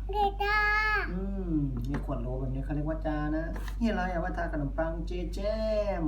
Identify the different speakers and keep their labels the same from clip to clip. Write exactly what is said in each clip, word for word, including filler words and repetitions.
Speaker 1: เดต้า
Speaker 2: อืมมีขวดโหลแบบนี้เขาเรียกว่าจานะนี่อะไรอะว่าทาขนมปังเจแจม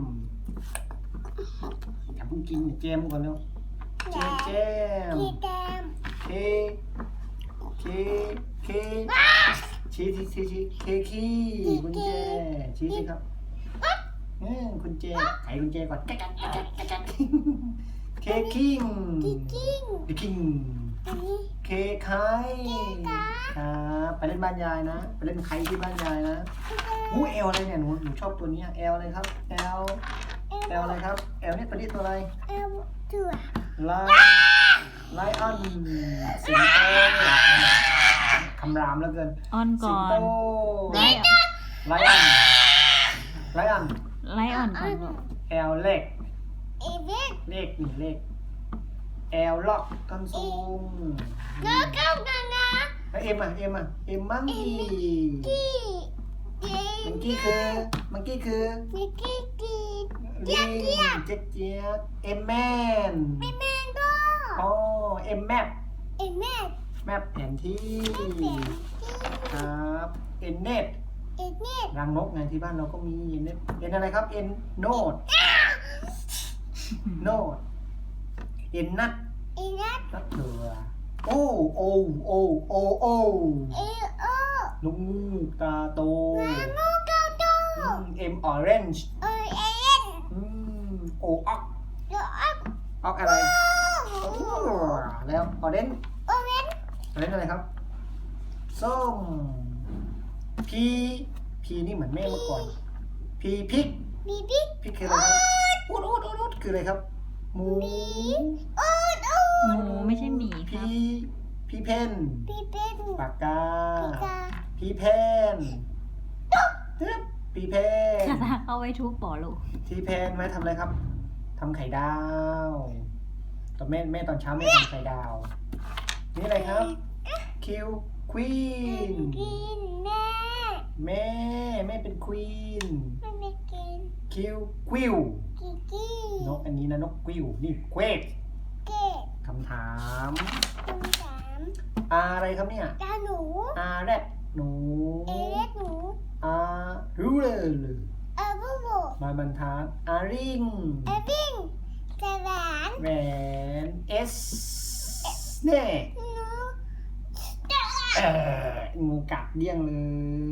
Speaker 2: อย่าเพิ่งกินเจมก่อนเร็วเจแจม
Speaker 1: พี่แจม
Speaker 2: เคเคเคชี้ชี้ชี้ชี้เคคีกุญแจชี้สิครับเออกุญแจไขกุญแจก่อนแก๊กแก๊กแก๊กแก๊กแก๊กเคคิง
Speaker 1: พี่กิ้ง
Speaker 2: เคคิง
Speaker 1: อันนี้
Speaker 2: เคไข่ครับไปเล่นบ้านยายนะไปเล่นไข่ที่บ้านยายนะอู้เอลอะไรเนี่ยหนูหนูชอบตัวนี้เอลอะไรครับเอลเอลอะไรครับเอลนี่ตัวนี้ตัวอะไร
Speaker 1: เอลถั่ว
Speaker 2: ไลไลออนสิงโตคำรามแล้วเกิน
Speaker 3: ออนก่
Speaker 2: สิ
Speaker 3: อง
Speaker 2: โต
Speaker 3: นไลออน
Speaker 2: ไลออนไลออน
Speaker 3: ไลออนก่อนลูก
Speaker 2: เอลเล็ก
Speaker 1: เอเว็ก
Speaker 2: เลขหนึ่งเลขเอลล็อกต้นสูง
Speaker 1: แล้วก็กันนะ
Speaker 2: แล้วเอ็มอ่ะเอ็มอ่ะเอ็มมังกี้
Speaker 1: กี้เจ
Speaker 2: มังกี้คือมังกี้คือ
Speaker 1: มิกกี้กี้
Speaker 2: ลิงเจ๊กเจี๊ยบเอ็มแมน
Speaker 1: แม่แม่ก็
Speaker 2: อ๋อเอ็มแมป
Speaker 1: เอ็มแม่
Speaker 2: แมปแผนที่
Speaker 1: แม่แม่ที่
Speaker 2: ครับเอ็นเน็ต
Speaker 1: เอ็นเน็ต
Speaker 2: รังนกไงที่บ้านเราก็มีเอ็นเน็ตเอ็นอะไรครับเอ็นโนดโนดเอ็นนัท
Speaker 1: เอ็นนัท
Speaker 2: นัทเถื่อโอ้โอโอโอโอ
Speaker 1: เอโอ
Speaker 2: ลูกงูตาโต
Speaker 1: มาโมโตโต
Speaker 2: เอ็มออเรนจ์
Speaker 1: เอเอ็น
Speaker 2: โอออก
Speaker 1: เดอะอัพ
Speaker 2: ออกอะไรแล้วออเรนจ์
Speaker 1: โอเวน
Speaker 2: ออเรนจ์อะไรครับส้มพีพีนี่เหมือนแม่เมื่อก่อนพีพริก
Speaker 1: บีบิ๊ก
Speaker 2: พริกคืออะไรครับอูดอูดอูดอูดคืออะไรครับหมู
Speaker 1: อูดอู
Speaker 3: ห
Speaker 1: ด
Speaker 3: มูไม่ใช่หมีค
Speaker 2: พี
Speaker 3: รับ
Speaker 2: พีเพน
Speaker 1: บีเป็น
Speaker 2: ปากกา
Speaker 1: ปีกา
Speaker 2: พีเพนตึ๊บพีเพน
Speaker 3: คาถาเอาไว้ทุบปอลูก
Speaker 2: พีเพนไว้ทำอะไรครับทำไข่ดาวตอนแม่แม่ตอนเช้าแม่ทำไข่ดาว นี่อะไรครับคิวควีน
Speaker 1: กินแม่
Speaker 2: แม่แม่เป็นควีน
Speaker 1: ไม่ไม่กิน
Speaker 2: คิวควิว
Speaker 1: กิกกี้
Speaker 2: นกอันนี้นะนกควิวนี่เควก
Speaker 1: เก๊ก
Speaker 2: คำถาม
Speaker 1: คำสาม
Speaker 2: อะไรครับเนี่ย
Speaker 1: ตาหนู
Speaker 2: อาแรดหนู
Speaker 1: เอเล็กหนู
Speaker 2: อารูเลอร์
Speaker 1: เอบูบู
Speaker 2: มาบรรทัดอาริง
Speaker 1: เอบิงสวาน
Speaker 2: แหวนเอสเน่
Speaker 1: หนู
Speaker 2: เอองูกัดเดี้ยงเลย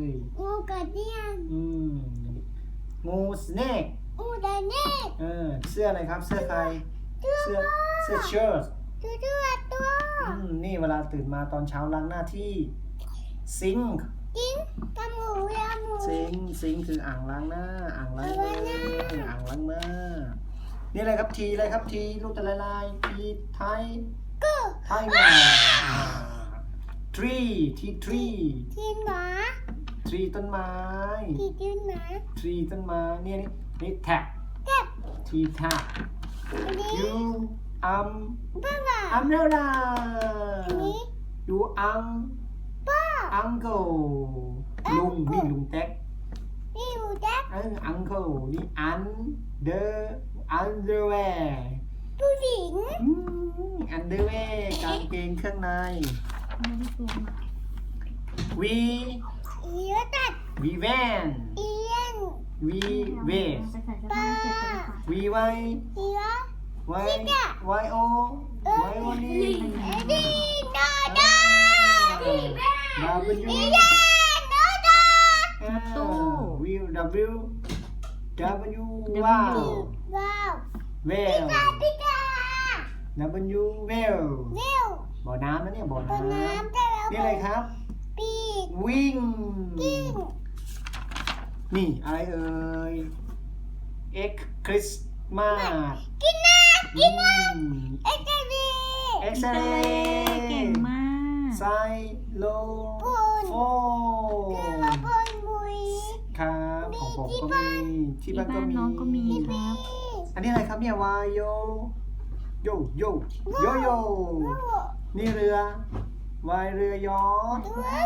Speaker 1: งูกระเดียน
Speaker 2: อืมงูสเนก
Speaker 1: อูดาเน่
Speaker 2: เออเสื้ออะไรครับเสื้อใครเสื้อเสื้อเชิ้ต
Speaker 1: ตัวตัวตัว
Speaker 2: อืมนี่เวลาตื่นมาตอนเช้าล้างหน้าที่ซิงค์
Speaker 1: กินตาหมูยาหมู
Speaker 2: ซิงค์ซิงค์คืออ่างล้างหน้า อ่างล้างมืออ่างล้างมือนี่อะไรครับทีอะไรครับทีลูกตะลายลายทีไทย
Speaker 1: กู
Speaker 2: ไทยมาทรีทีทรี
Speaker 1: ทีนหมา
Speaker 2: ทรีต้นไม้
Speaker 1: ทีทีนหมา
Speaker 2: ทรีต้นไม้เนี่ยนี่นี่แท็บ
Speaker 1: แก๊บ
Speaker 2: ทีแท็บ
Speaker 1: อันนี้
Speaker 2: ยูอัม
Speaker 1: บ้าบ้า
Speaker 2: อัมเรลา
Speaker 1: อันนี้
Speaker 2: ยูอัง
Speaker 1: ป้า
Speaker 2: อังเกิลลุงนี่ลุงแท็ก
Speaker 1: นี่อูแจ๊ก
Speaker 2: เอออังเกิลนี่อันเดอร์อันเดอร์แวร์
Speaker 1: ผู้หญิง
Speaker 2: อันเดอร์แวร์กางเกงเครื่องใน
Speaker 3: ไม่ได้เตรียมมา
Speaker 2: วี
Speaker 1: อีวตัด
Speaker 2: วีแวน
Speaker 1: เอียน
Speaker 2: วีเวส
Speaker 3: จะใส่เสื้อผ้าเสร็จไปเลยค่ะ
Speaker 2: วีไว
Speaker 1: อีวะ
Speaker 2: ไวไวโอไวโอนี่
Speaker 1: เอ็ดดี้โนดาที่แม่
Speaker 2: ดับเบิลยู
Speaker 1: อีเดนโนดา
Speaker 2: วิวดับเบิลยูดับเบิลยูว้าว
Speaker 1: ว้าว
Speaker 2: เวล
Speaker 1: ตาพิกา
Speaker 2: ดับเบิลยูเวล
Speaker 1: เร็ว
Speaker 2: บ่อน้ำนะเนี่ยบ่อ
Speaker 1: ต้น
Speaker 2: น้ำ
Speaker 1: น้ำแต่แล้ว
Speaker 2: นี่อะไรครับ
Speaker 1: ปีก
Speaker 2: วิ่ง
Speaker 1: กิ้ง
Speaker 2: นี่อะไรเอ่ยเอ็กคริสมาส
Speaker 1: กินนะ
Speaker 2: กิน
Speaker 1: เอ็กซ์ดี
Speaker 2: เอ็กซเร
Speaker 3: เก่ง
Speaker 2: ย์
Speaker 3: มาก
Speaker 2: ไซโล
Speaker 1: ปูน
Speaker 2: โฟ
Speaker 1: คือว่าบนบุย
Speaker 2: ครับของผมก็มีที่
Speaker 3: ที่
Speaker 2: บ้านก็
Speaker 3: บ้าน
Speaker 2: มี
Speaker 3: น้องก็มีครับ
Speaker 2: อันนี้อะไรครับเนี่ยวายโยโยโยโยโยนี่เรือวายเรือยอชต์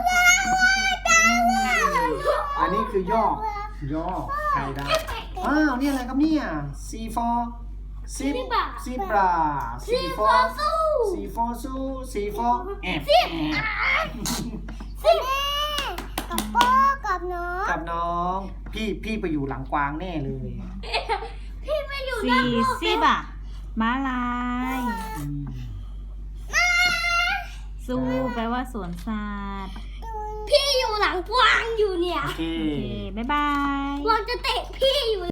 Speaker 2: อันนี้คือย่อย่อไทยได้อ้าวนี่อะไรครับเนี่ยซีฟอร์ซีซีบราซีฟอร์ซีฟอร์ซูซีฟอร์แอบ
Speaker 1: สิบ
Speaker 2: ต้องพี่พี่ไปอยู่หลังกวางแน่เลย
Speaker 1: พี่ไม่อยู่
Speaker 3: ซี
Speaker 1: นอกโลก
Speaker 3: ซีบะม้าลาย
Speaker 2: อืม
Speaker 3: ซูแปลว่าสวนสัตว์
Speaker 1: พี่อยู่หลังกวางอยู่เนี่ย
Speaker 2: โอเค
Speaker 3: โอเค บ๊ายบาย
Speaker 1: กวางจะเตะพี่อยู่